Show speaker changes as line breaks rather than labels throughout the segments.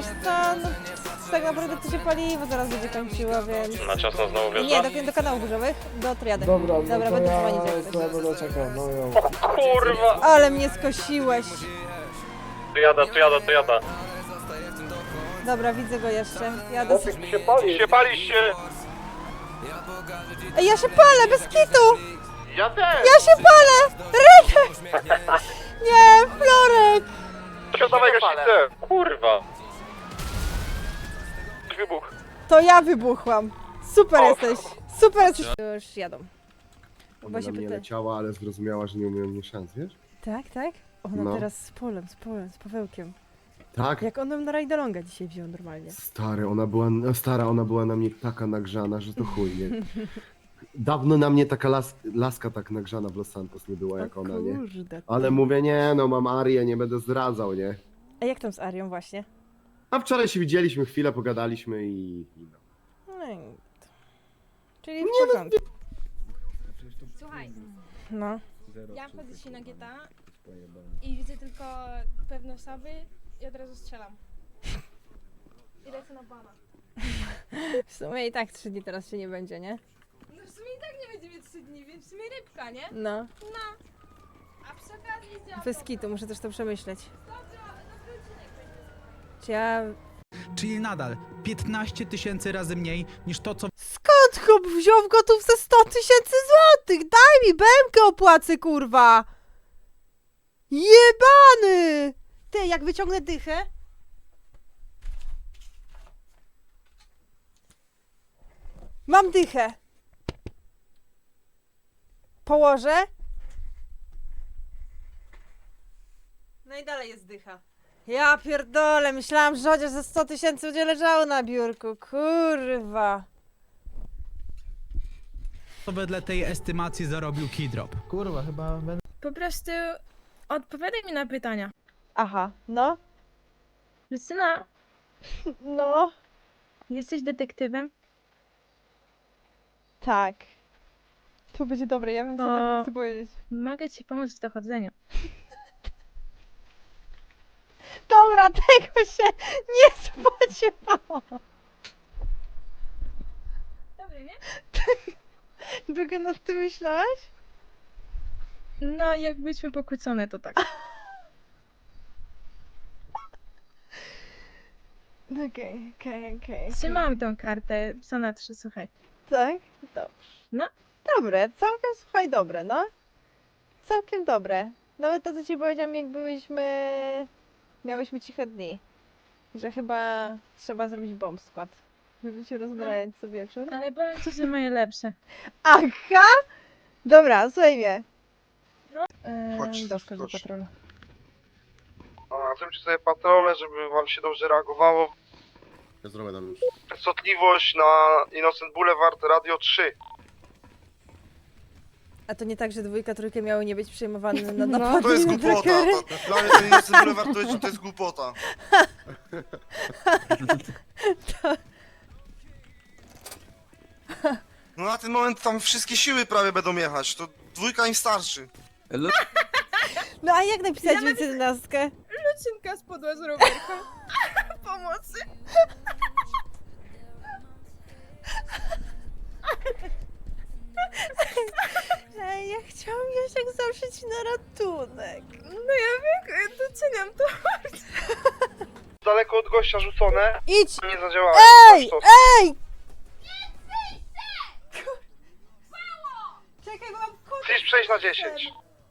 wiesz co, no, tak naprawdę to się paliwo zaraz będzie kończyło, więc...
Na ciasno znowu
Nie,
wjeżdża?
do kanałów burzowych, do triady.
Dobra, no
Dobra,
to
będę
ja
dzwonić jak coś.
będę czekał, no jo.
Kurwa!
Ale mnie skosiłeś.
Tu jada.
Dobra, widzę go jeszcze. Jadę.
Się paliście!
Ej, ja się palę, bez kitu!
Ja też!
Ja się palę! Rynek! Nie, Florek!
Dawaj gaśnicę! Kurwa! Wybuch.
To ja wybuchłam. Super
O.
jesteś. Super jesteś. Już jadą.
Ona
Bo się
na mnie
pyta-
leciała, ale zrozumiała, że nie umiem mnie szans, wiesz?
Tak, tak? Ona
No.
teraz z Pawełkiem.
Tak?
Jak on ją na rajdolonga dzisiaj wziął normalnie.
Stary, ona była na mnie taka nagrzana, że to chuj, nie? Dawno na mnie taka laska tak nagrzana w Los Santos nie była jak
O
ona, nie?
kurde.
Ale mówię, nie, no mam Arię, nie będę zdradzał, nie?
A jak tam z Arią właśnie?
A wczoraj się widzieliśmy, chwilę pogadaliśmy i no.
No i... Czyli w porządku.
Słuchaj,
No.
ja wchodzę dzisiaj na GTA i widzę tylko pewne osoby i od razu strzelam. I lecę na bana.
W sumie i tak 3 dni teraz się nie będzie, nie?
No w sumie i tak nie będzie mieć 3 dni, więc w sumie rybka, nie?
No.
No. A przy okazji działa.
Bez kitu, muszę też to przemyśleć.
Dobry odcinek będzie.
Czy ja...
Czyli nadal 15 000 razy mniej niż to, co
Skąd chłop wziął gotów ze 100 000 złotych? Daj mi bębkę opłacę, kurwa! Jebany! Ty, jak wyciągnę dychę... Mam dychę. Położę. No i dalej jest dycha. Ja pierdolę, myślałam, że chociaż ze 100 000 będzie leżało na biurku. Kurwa.
wedle tej estymacji zarobił Keydrop.
Kurwa, chyba będę...
Po prostu odpowiadaj mi na pytania.
Aha, no.
Justyna,
No.
jesteś detektywem?
Tak. To będzie dobre, ja bym
To-
sobie chcę powiedzieć.
Mogę ci pomóc w dochodzeniu.
Dobra, tego się nie spodziewałam.
Dobry, nie?
Długo nad tym myślałaś?
No, jak byliśmy pokłócone, to tak.
Okej.
Trzymałam tą kartę, co na 3, słuchaj.
Tak? Dobrze.
No.
Dobre, całkiem słuchaj, dobre, no. Całkiem dobre. Nawet to, co ci powiedziałam, jak miałyśmy ciche dni. Że chyba trzeba zrobić bomb skład. Żeby się rozbrajać co wieczór.
Ale powiem ci, że moje lepsze.
Aha! Dobra, słuchaj mnie. Do szkoły
chodź.
patrolu.
A zróbcie sobie patrole, żeby wam się dobrze reagowało.
Ja zrobię tam już.
Częstotliwość na Innocent Boulevard, Radio 3.
A to nie tak, że dwójka, trójkę miały nie być przejmowane na
No.
napady
To jest
na
głupota.
trackery?
Dla mnie ten Innocent Boulevard to jest głupota. No na ten moment tam wszystkie siły prawie będą jechać, to dwójka im starczy.
No a jak napisać ja 11?
Lucynka spadła z rowerka. Pomocy.
Ej, ja chciałam Jasiek zawrzeć na ratunek.
No ja wiem, doceniam to.
Daleko od gościa rzucone,
Idź!
nie zadziałało.
Ej! Ej! Czekaj, bo mam kod.
Chcesz przejść na 10.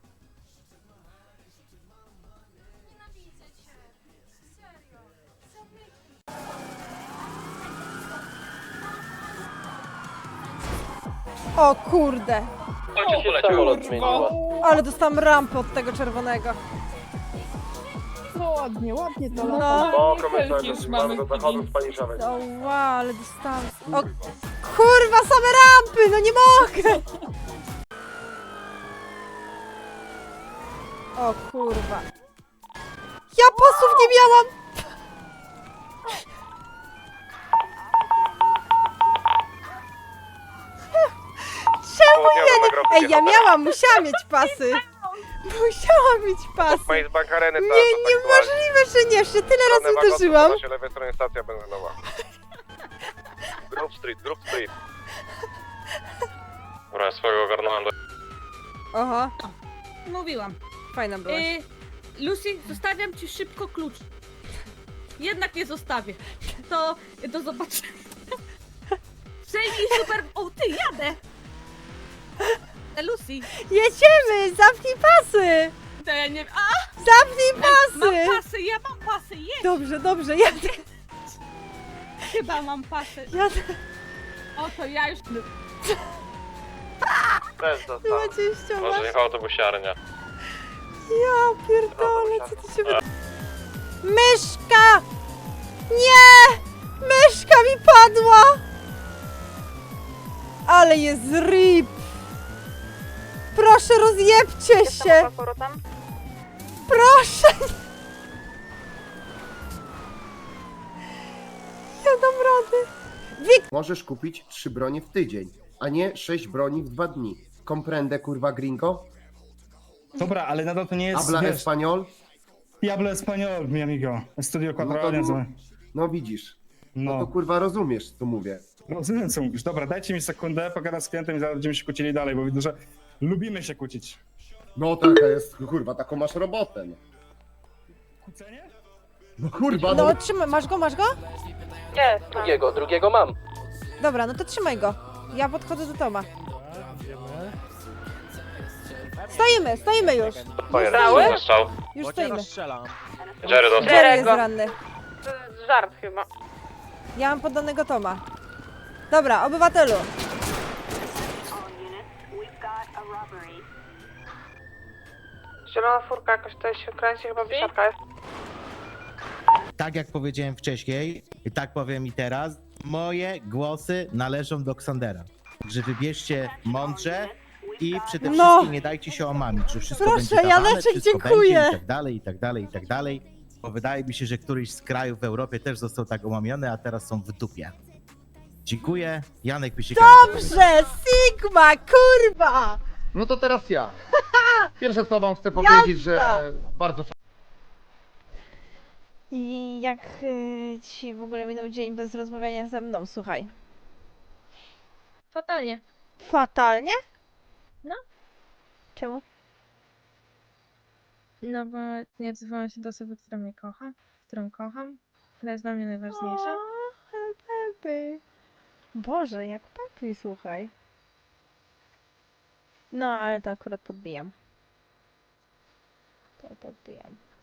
O kurde!
Co ci się samolot zmieniło?
Ale dostałam rampę od tego czerwonego.
Ładnie to
No.
O, komentarz, mamy do zachodu z Paniszowej.
O wow, ale dostałam... O kurwa, same rampy! No nie mogę! O kurwa. Ja pasów nie miałam! Czemu ja nie... Ej, ja miałam, musiałam mieć pasy! Musiała mieć pasy.
Maze Bank Areny, tak,
Nie, niemożliwe, że nie. Jeszcze tyle razy uderzyłam.
się lewej stronie stacja benzynowa. Grove Street, Grove Street. Dobra, ja swojego ogarnąłem do...
Oho,
Mówiłam.
fajna była.
Lucy, zostawiam ci szybko klucz. Jednak nie zostawię. To do zobaczenia. Przejmij super... O, ty, jadę! Lucy,
Jedziemy! Zamknij pasy!
to ja nie... A,
Zamknij
mam
pasy!
pasy, ja mam pasy, jedź!
Dobrze, dobrze, jadę.
Chyba mam pasy.
Jadę.
O, to ja już...
Bez został.
Chyba cię ściągasz.
Może jechał autobusiarnia.
Ja pierdolę, co ty się wyda... Myszka! Nie! Myszka mi padła! Ale jest rip! Proszę, rozjebcie się! Proszę! Ja dam radę.
Możesz kupić 3 bronie w tydzień, a nie 6 broni w 2 dni. Comprende, kurwa gringo?
Dobra, ale nadal to nie jest,
Habla
wiesz,
español?
y hablo español, mi amigo. Estudio
No
4
to
años.
mów. No widzisz. No to
No,
kurwa rozumiesz, co mówię.
rozumiem co mówisz. Dobra, dajcie mi sekundę, pogadam z klientem i zaraz będziemy się kłócili dalej, bo widzę, że lubimy się kłócić.
No taka jest, kurwa, taką masz robotę. No,
Kłócenie?
no kurwa,
No trzymaj, masz go, masz go?
Drugiego mam.
Dobra, no to trzymaj go. Ja podchodzę do Toma. Stoimy już.
Pojedę, strzał.
Już stoimy.
Jerry dostał.
Jerry jest ranny.
Żart chyba.
Ja mam poddanego Toma. Dobra, obywatelu.
Zielona furka jakoś tutaj się kręci, chyba wysiadka jest.
Tak jak powiedziałem wcześniej, i tak powiem i teraz, moje głosy należą do Ksandera. Także wybierzcie mądrze i przede
No.
wszystkim nie dajcie się omamić, że wszystko
Proszę,
będzie dawane,
Janeczek,
wszystko
dziękuję.
będzie i tak dalej, i tak dalej, i tak dalej. Bo wydaje mi się, że któryś z krajów w Europie też został tak omamiony, a teraz są w dupie. Dziękuję. Janek Wysikał.
Dobrze, Sigma, kurwa!
No to teraz ja. Pierwsze co wam chcę powiedzieć, że bardzo
I jak ci w ogóle minął dzień bez rozmawiania ze mną, słuchaj.
Fatalnie.
Fatalnie?
No.
Czemu?
No bo nie odzywałam się do osoby, która mnie kocha, którą kocham, która jest dla mnie najważniejsza.
Pepe. Boże, jak Pepe, słuchaj. No, ale to akurat podbijam. To podbijam.